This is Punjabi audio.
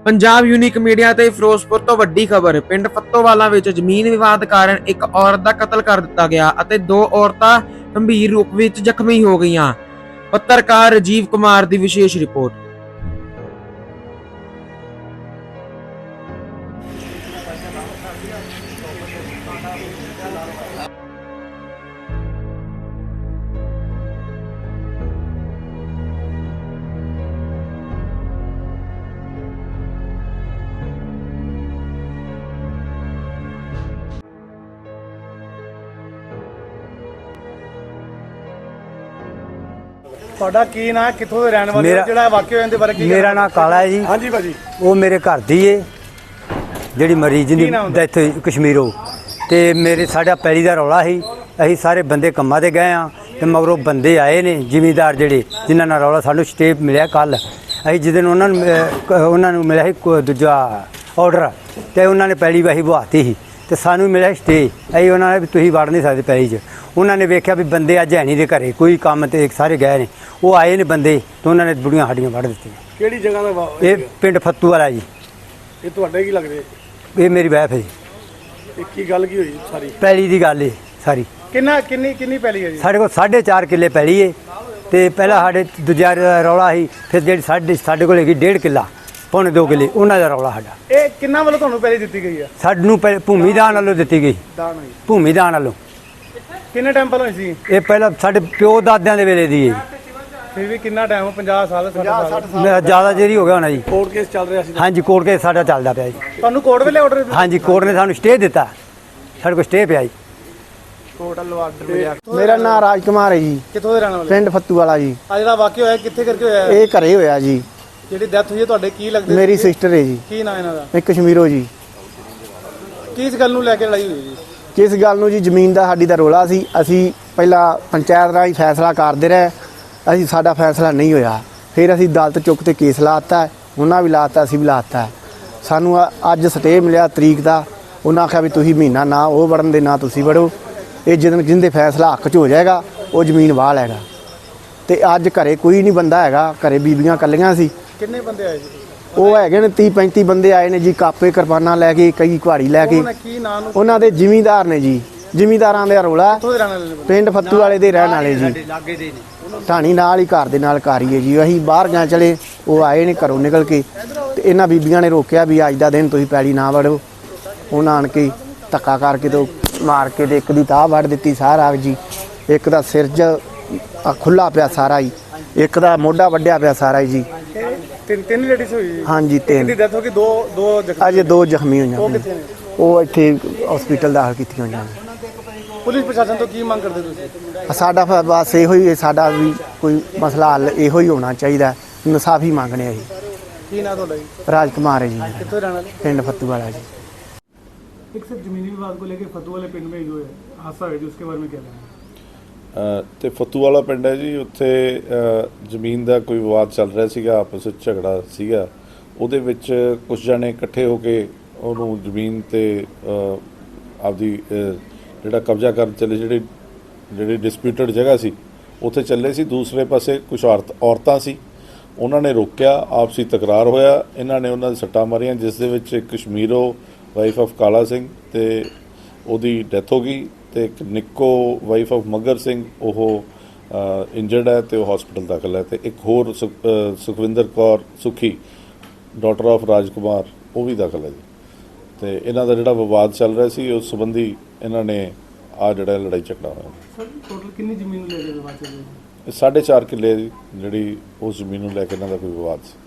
ਪੰਜਾਬ ਯੂਨੀਕ ਮੀਡੀਆ ਤੇ ਫਿਰੋਜ਼ਪੁਰ ਤੋਂ ਵੱਡੀ ਖਬਰ। ਪਿੰਡ ਫੱਤੋਵਾਲਾ ਵਿੱਚ ਜ਼ਮੀਨ ਵਿਵਾਦ ਕਾਰਨ ਇੱਕ ਔਰਤ ਦਾ ਕਤਲ ਕਰ ਦਿੱਤਾ ਗਿਆ ਅਤੇ ਦੋ ਔਰਤਾਂ ਗੰਭੀਰ ਰੂਪ ਵਿੱਚ ਜ਼ਖਮੀ ਹੋ ਗਈਆਂ। ਪੱਤਰਕਾਰ ਰਾਜੀਵ ਕੁਮਾਰ ਦੀ ਵਿਸ਼ੇਸ਼ ਰਿਪੋਰਟ। ਤੁਹਾਡਾ ਕੀ ਨਾਂ, ਕਿੱਥੋਂ ਦੇ ਰਹਿਣ ਵਾਲੇ ਹੋ? ਜਿਹੜਾ ਵਾਕਿਆ ਹੋਇਆ ਦੇ ਬਾਰੇ ਕੀ? ਮੇਰਾ ਨਾਂ ਕਾਲਾ ਹੈ ਜੀ। ਹਾਂਜੀ ਭਾਜੀ। ਉਹ ਮੇਰੇ ਘਰ ਦੀ ਏ ਜਿਹੜੀ ਮਰੀਜ਼ ਦੀ ਡੈਥ ਹੋਈ ਕਸ਼ਮੀਰੋਂ। ਤੇ ਮੇਰੇ ਸਾਡਾ ਪੈਲੀ ਦਾ ਰੌਲਾ ਸੀ। ਅਸੀਂ ਸਾਰੇ ਬੰਦੇ ਕੰਮਾਂ ਤੇ ਗਏ ਆ ਤੇ ਮਗਰੋਂ ਬੰਦੇ ਆਏ ਨੇ ਜ਼ਿਮੀਂਦਾਰ ਜਿਹੜੇ ਜਿਨ੍ਹਾਂ ਨਾਲ ਰੌਲਾ ਸਾਨੂੰ ਸਟੇ ਮਿਲਿਆ ਕੱਲ। ਅਸੀਂ ਜਿਸ ਦਿਨ ਉਹਨਾਂ ਨੂੰ ਮਿਲਿਆ ਸੀ ਦੂਜਾ ਆਰਡਰ ਤੇ ਉਹਨਾਂ ਨੇ ਪੈਲੀ ਵਾਹੀ ਬਹਾਤੀ ਸੀ ਤੇ ਸਾਨੂੰ ਮਿਲਿਆ ਸਟੇ। ਅਸੀਂ ਉਹਨਾਂ ਨੇ ਵੀ ਤੁਸੀਂ ਵੜ ਨਹੀਂ ਸਕਦੇ ਪੈਲੀ 'ਚ। ਉਹਨਾਂ ਨੇ ਵੇਖਿਆ ਵੀ ਬੰਦੇ ਅੱਜ ਹੈ ਨਹੀਂ ਦੇ ਘਰੇ, ਕੋਈ ਕੰਮ ਤੇ ਸਾਰੇ ਗਏ ਨੇ। ਉਹ ਆਏ ਨੇ ਬੰਦੇ ਤੇ ਉਹਨਾਂ ਨੇ ਬੁੜੀਆਂ ਸਾਡੀਆਂ ਵੱਢ ਦਿੱਤੀਆਂ। ਕਿਹੜੀ ਜਗ੍ਹਾ ਦਾ? ਇਹ ਪਿੰਡ ਫੱਤੂ ਵਾਲਾ ਜੀ। ਇਹ ਤੁਹਾਡੇ ਕੀ ਲੱਗਦੇ? ਇਹ ਮੇਰੀ ਵਾਈਫ ਹੈ ਜੀ। ਇਹ ਕੀ ਗੱਲ ਕੀ ਹੋਈ ਸਾਰੀ? ਪੈਲੀ ਦੀ ਗੱਲ ਏ ਸਾਰੀ। ਕਿੰਨੀ ਪੈਲੀ ਹੈ ਜੀ? ਸਾਡੇ ਕੋਲ 4.5 ਕਿੱਲੇ ਪੈਲੀ ਏ ਤੇ ਪਹਿਲਾਂ ਸਾਡੇ ਦੂਜਾ ਰੌਲਾ ਸੀ। ਫਿਰ ਜਿਹੜੀ ਸਾਡੇ ਕੋਲ ਹੈਗੀ 1.5 ਕਿੱਲਾ, ਪੌਣੇ 2 ਕਿੱਲੇ, ਉਹਨਾਂ ਦਾ ਰੌਲਾ ਸਾਡਾ। ਇਹ ਕਿੰਨਾ ਵੱਲੋਂ ਤੁਹਾਨੂੰ ਪੈਲੀ ਦਿੱਤੀ ਗਈ ਆ? ਸਾਨੂੰ ਭੂਮੀ ਦਾਨ ਵੱਲੋਂ ਦਿੱਤੀ ਗਈ। ਭੂਮੀ ਦਾਨ ਵੱਲੋਂ। ਕਿੰਨੇ ਟਾਈਮ ਪਹਿਲਾਂ ਹੋਈ ਸੀ ਇਹ? ਪਹਿਲਾਂ ਸਾਡੇ ਪਿਓ ਦਾਦਿਆਂ ਦੇ ਵੇਲੇ ਦੀ ਹੈ। ਫਿਰ ਵੀ ਕਿੰਨਾ ਟਾਈਮ? 50 ਸਾਲ 60 ਸਾਲ ਜ਼ਿਆਦਾ ਚਿਰ ਹੀ ਹੋ ਗਿਆ ਹੋਣਾ ਜੀ। ਕੋਰਟ ਕੇਸ ਚੱਲ ਰਿਹਾ ਸੀ? ਹਾਂਜੀ, ਕੋਰਟ ਕੇਸ ਸਾਡਾ ਚੱਲਦਾ ਪਿਆ ਜੀ। ਤੁਹਾਨੂੰ ਕੋਰਟ ਵੇਲੇ ਆਰਡਰ? ਹਾਂਜੀ, ਕੋਰਟ ਨੇ ਸਾਨੂੰ ਸਟੇ ਦਿੱਤਾ। ਸਾਡੇ ਕੋਲ ਸਟੇ ਪਿਆ ਜੀ। ਟੋਟਲ ਆਰਡਰ ਮਿਲਿਆ। ਮੇਰਾ ਨਾਮ ਰਾਜ ਕੁਮਾਰ ਹੈ ਜੀ। ਕਿੱਥੋਂ ਦੇ ਰਹਿਣ ਵਾਲੇ? ਪਿੰਡ ਫੱਤੂ ਵਾਲਾ ਜੀ। ਆ ਜਿਹੜਾ ਵਾਕਿਆ ਹੋਇਆ ਕਿੱਥੇ ਕਰਕੇ ਹੋਇਆ? ਇਹ ਘਰੇ ਹੋਇਆ ਜੀ। ਜਿਹੜੀ ਡੈਥ ਹੋਈ ਹੈ ਤੁਹਾਡੇ ਕੀ ਲੱਗਦੇ? ਮੇਰੀ ਸਿਸਟਰ ਹੈ ਜੀ। ਕੀ ਨਾਂ ਇਹਨਾਂ ਦਾ? ਇਹ ਕਸ਼ਮੀਰੋਂ ਜੀ। ਕਿਸ ਗੱਲ ਨੂੰ ਲੈ ਕੇ ਲੜਾਈ ਹੋਈ ਜੀ? ਕਿਸ ਗੱਲ ਨੂੰ ਜੀ? ਜ਼ਮੀਨ ਦਾ ਸਾਡੀ ਦਾ ਰੋਲਾ ਸੀ। ਅਸੀਂ ਪਹਿਲਾਂ ਪੰਚਾਇਤ ਰਾਹੀਂ ਫੈਸਲਾ ਕਰਦੇ ਰਹੇ। ਸਾਡਾ ਫੈਸਲਾ ਨਹੀਂ ਹੋਇਆ। ਫਿਰ ਅਸੀਂ ਅਦਾਲਤ ਚੁੱਕ ਤੇ ਕੇਸ ਲਾਤਾ। ਉਹਨਾਂ ਵੀ ਲਾਤਾ, ਅਸੀਂ ਵੀ ਲਾਤਾ। ਸਾਨੂੰ ਅੱਜ ਸਟੇ ਮਿਲਿਆ ਤਰੀਕ ਦਾ। ਉਹਨਾਂ ਆਖਿਆ ਵੀ ਤੁਸੀਂ ਮਹੀਨਾ ਨਾ ਉਹ ਵੜਨ ਦੇ, ਨਾ ਤੁਸੀਂ ਵੜੋ। ਇਹ ਜਿਹਦੇ ਫੈਸਲਾ ਹੱਕ 'ਚ ਹੋ ਜਾਏਗਾ ਉਹ ਜ਼ਮੀਨ ਵਾਹ ਲੈਗਾ। ਤੇ ਅੱਜ ਘਰੇ ਕੋਈ ਨਹੀਂ ਬੰਦਾ ਹੈਗਾ। ਘਰੇ ਬੀਬੀਆਂ ਇਕੱਲੀਆਂ ਸੀ। ਕਿੰਨੇ ਬੰਦੇ ਆਏ ਜੀ? ਉਹ ਹੈਗੇ ਨੇ 30-35 ਬੰਦੇ ਆਏ ਨੇ ਜੀ। ਕਾਪੇ ਕਿਰਪਾਨਾਂ ਲੈ ਕੇ, ਕਈ ਕੁਹਾੜੀ ਲੈ ਕੇ। ਕੀ ਨਾਂ ਨੂੰ? ਉਹਨਾਂ ਦੇ ਜ਼ਿਮੀਂਦਾਰ ਨੇ ਜੀ। ਜ਼ਿਮੀਂਦਾਰਾਂ ਦਾ ਰੌਲਾ। ਕਿੱਥੋਂ ਦੇ ਰਹਿਣ ਵਾਲੇ ਨੇ? ਪਿੰਡ ਫੱਤੂ ਵਾਲੇ ਦੇ ਰਹਿਣ ਵਾਲੇ ਜੀ। ਢਾਣੀ ਨਾਲ ਹੀ ਘਰ ਦੇ ਨਾਲ ਘਰ ਹੀ ਹੈ ਜੀ। ਅਸੀਂ ਬਾਹਰ ਗਏ ਚਲੇ, ਉਹ ਆਏ ਨੇ ਘਰੋਂ ਨਿਕਲ ਕੇ ਤੇ ਇਹਨਾਂ ਬੀਬੀਆਂ ਨੇ ਰੋਕਿਆ ਵੀ ਅੱਜ ਦਾ ਦਿਨ ਤੁਸੀਂ ਪੈਲੀ ਨਾ ਵੜੋ। ਉਹਨਾਂ ਆਣ ਕੇ ਧੱਕਾ ਕਰਕੇ ਤੇ ਮਾਰ ਕੇ ਤੇ ਇੱਕ ਦੀ ਤਾਹ ਵੱਢ ਦਿੱਤੀ ਸਾਰਾ ਜੀ। ਇੱਕ ਦਾ ਸਿਰ ਖੁੱਲਾ ਪਿਆ ਸਾਰਾ ਹੀ। ਇੱਕ ਦਾ ਮੋਢਾ ਵੱਢਿਆ ਪਿਆ ਸਾਰਾ ਹੀ ਜੀ। ਤਿੰਨ ਲੇਡੀਜ਼ ਹੋਈ ਜੀ? ਹਾਂਜੀ, ਤਿੰਨ ਦੀ ਡੈਥ ਹੋ ਗਈ। ਦੋ ਅਜੇ 2 ਜ਼ਖਮੀ ਹੋਈਆਂ। ਉਹ ਕਿੱਥੇ ਨੇ? ਉਹ ਇੱਥੇ ਹਸਪੀਟਲ ਦਾਖਲ ਕੀਤੀਆਂ ਹੋਈਆਂ ਨੇ। ਪੁਲਿਸ ਪ੍ਰਸ਼ਾਸਨ ਤੋਂ ਕੀ ਮੰਗ ਕਰਦੇ ਤੁਸੀਂ? ਸਾਡਾ ਬਸ ਇਹੋ ਹੀ, ਸਾਡਾ ਵੀ ਕੋਈ ਮਸਲਾ ਹੱਲ ਇਹੋ ਹੀ ਹੋਣਾ ਚਾਹੀਦਾ। ਇਨਸਾਫੀ ਮੰਗਣੇ ਅਸੀਂ। ਕੀ ਨਾਂ ਤੁਹਾਡਾ ਜੀ? ਰਾਜ ਕੁਮਾਰ है जी। ਕਿੱਥੋਂ ਰਹਿਣ ਵਾਲੇ? पिंड फत्तू वाला जी। एक सिर्फ जमीनी विवाद को लेकर फतू वाले पिंड में जो है हादसा है, जो उसके बारे में क्या कहना है? ਤੇ ਫੱਤੂ ਵਾਲਾ ਪਿੰਡ ਹੈ ਜੀ। ਉੱਥੇ ਜ਼ਮੀਨ ਦਾ ਕੋਈ ਵਿਵਾਦ ਚੱਲ ਰਿਹਾ ਸੀਗਾ, ਆਪਸ ਵਿੱਚ ਝਗੜਾ ਸੀਗਾ। ਉਹਦੇ ਵਿੱਚ ਕੁਝ ਜਣੇ ਇਕੱਠੇ ਹੋ ਕੇ ਉਹਨੂੰ ਜ਼ਮੀਨ ਤੇ ਆਪਦੀ ਜਿਹੜਾ ਕਬਜ਼ਾ ਕਰਨ ਚੱਲੇ, ਜਿਹੜੀ ਡਿਸਪਿਊਟਡ ਜਗ੍ਹਾ ਸੀ ਉੱਥੇ ਚੱਲੇ ਸੀ। ਦੂਸਰੇ ਪਾਸੇ ਕੁਝ ਔਰਤਾਂ ਸੀ, ਉਹਨਾਂ ਨੇ ਰੋਕਿਆ। ਆਪਸੀ ਤਕਰਾਰ ਹੋਇਆ। ਇਹਨਾਂ ਨੇ ਉਹਨਾਂ ਦੇ ਸੱਟਾਂ ਮਾਰੀਆਂ, ਜਿਸ ਦੇ ਵਿੱਚ ਇੱਕ ਕਸ਼ਮੀਰੋਂ ਵਾਈਫ ਆਫ ਕਾਲਾ ਸਿੰਘ ਤੇ ਉਹਦੀ ਡੈਥ ਹੋ ਗਈ ਤੇ ਇੱਕ ਨਿੱਕੋ ਵਾਈਫ ਆਫ ਮੱਗਰ ਸਿੰਘ ਉਹ ਇੰਜਰਡ ਹੈ ਤੇ ਉਹ ਹਸਪੀਟਲ ਦਾਖਲ ਹੈ। ਤੇ ਇੱਕ ਹੋਰ ਸੁਖਵਿੰਦਰ ਕੌਰ ਸੁਖੀ ਡਾਟਰ ਆਫ ਰਾਜ ਕੁਮਾਰ ਉਹ ਵੀ ਦਾਖਲ ਹੈ ਜੀ। ਤੇ ਇਹਨਾਂ ਦਾ ਜਿਹੜਾ ਵਿਵਾਦ ਚੱਲ ਰਿਹਾ ਸੀ ਉਸ ਸੰਬੰਧੀ ਇਹਨਾਂ ਨੇ ਆ ਜਿਹੜਾ ਲੜਾਈ ਝਗੜਾ ਹੋਇਆ। ਸਰ ਟੋਟਲ ਕਿੰਨੀ ਜ਼ਮੀਨ ਨੂੰ ਲੈ ਕੇ ਵਿਵਾਦ ਚੱਲ ਰਿਹਾ ਹੈ? 4.5 ਕਿੱਲੇ ਦੀ ਜਿਹੜੀ ਉਸ ਜ਼ਮੀਨ ਨੂੰ ਲੈ ਕੇ ਇਹਨਾਂ ਦਾ ਕੋਈ ਵਿਵਾਦ ਸੀ।